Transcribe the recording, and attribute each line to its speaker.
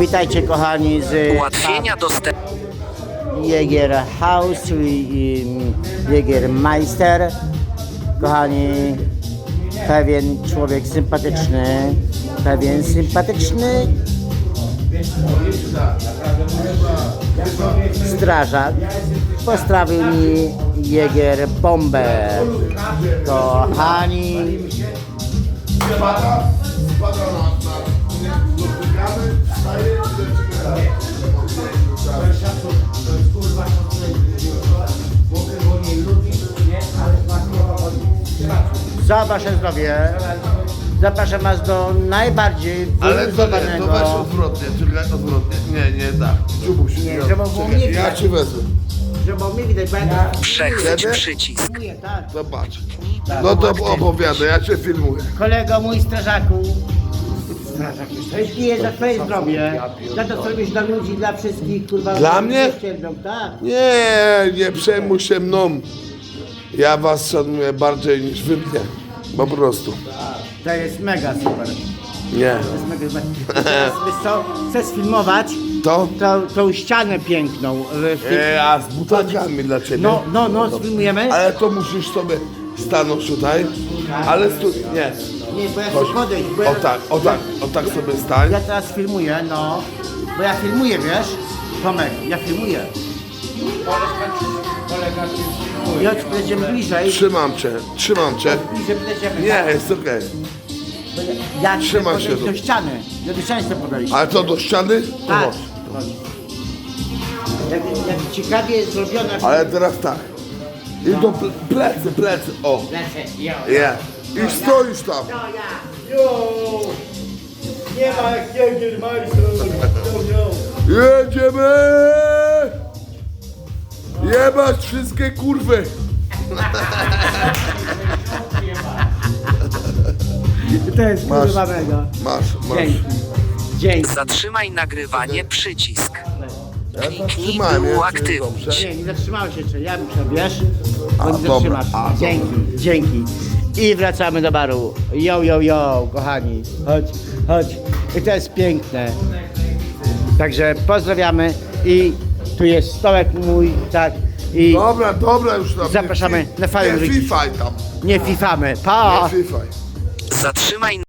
Speaker 1: Witajcie kochani z
Speaker 2: Ułatwienia dostępu.
Speaker 1: Jäger House i Jäger Meister. Kochani, pewien człowiek sympatyczny, strażak postawił mi Jäger bombę. Kochani,
Speaker 3: Spada na dotykamy, wstaje
Speaker 1: za wasze zdrowie zapraszam was do najbardziej
Speaker 3: Ale to nie,
Speaker 1: wyluzowanego.
Speaker 3: to weź odwrotnie, czekaj, odwrotnie. Nie, tak. Dziubuś,
Speaker 1: Nie, żeby było mnie
Speaker 3: czekaj, ja
Speaker 1: widać.
Speaker 3: ci wezmę.
Speaker 1: Żeby mi widać, bo ja
Speaker 2: Przechwyć
Speaker 3: Kiedy?
Speaker 2: przycisk.
Speaker 1: mówię, tak.
Speaker 3: Zobacz. No to opowiadaj, ja cię filmuję.
Speaker 1: Kolego mój strażaku, piję za twoje zdrowie, za to co robisz dla ludzi, dla wszystkich, kurwa.
Speaker 3: Dla
Speaker 1: którzy
Speaker 3: mnie?
Speaker 1: cierpią, tak.
Speaker 3: Nie przejmuj się mną. Ja was szanuję bardziej niż wy mnie. Po prostu.
Speaker 1: To jest mega super.
Speaker 3: Nie.
Speaker 1: To jest mega super. I teraz, wiesz co, chcę sfilmować
Speaker 3: To?
Speaker 1: tą ścianę piękną. W tym...
Speaker 3: A z butelkami dla ciebie.
Speaker 1: No, sfilmujemy.
Speaker 3: Ale to musisz sobie stanąć tutaj. Ale nie.
Speaker 1: Nie, bo ja
Speaker 3: Chodź.
Speaker 1: chcę podejść, bo ja,
Speaker 3: O tak sobie stań.
Speaker 1: ja teraz filmuję, no. Bo ja filmuję, wiesz? Tomek, ja filmuję. Chodź, będziemy bliżej.
Speaker 3: Trzymam cię.
Speaker 1: Bliżej będziemy.
Speaker 3: Nie, jest okej.
Speaker 1: Ja chcę
Speaker 3: trzymaj się
Speaker 1: podejść
Speaker 3: tu.
Speaker 1: do ściany. Ja do ściany chcę podejść.
Speaker 3: Ale to do ściany? To
Speaker 1: Tak.
Speaker 3: chodź.
Speaker 1: Jak ciekawie jest zrobione.
Speaker 3: Ale teraz tak. I do plecy. O.
Speaker 1: Lecę, jo.
Speaker 3: Nie. I stoisz tam.
Speaker 1: Jo! Nie ma jak Jäger Meister.
Speaker 3: Jedziemy! Jebać wszystkie kurwy!
Speaker 1: To jest
Speaker 3: Masz.
Speaker 1: kurwa mega.
Speaker 3: Masz.
Speaker 1: Dzięki.
Speaker 2: Zatrzymaj nagrywanie przycisk.
Speaker 3: Ja
Speaker 2: Kliknij
Speaker 3: zatrzymałem,
Speaker 2: by
Speaker 3: jest
Speaker 2: uaktywnić.
Speaker 3: dobrze.
Speaker 1: Nie zatrzymałeś się jeszcze. Ja muszę, wiesz?
Speaker 3: A,
Speaker 1: Bo nie
Speaker 3: dobra.
Speaker 1: zatrzymasz.
Speaker 3: A,
Speaker 1: Dzięki. I wracamy do baru. Jo, kochani. Chodź. I to jest piękne. Także pozdrawiamy i tu jest stołek mój, tak. I
Speaker 3: Dobra już tam.
Speaker 1: Zapraszamy na fajną
Speaker 3: Nie
Speaker 1: ryć.
Speaker 3: fifaj tam.
Speaker 1: nie fifamy. Pa!
Speaker 3: Nie fifaj.
Speaker 2: Zatrzymaj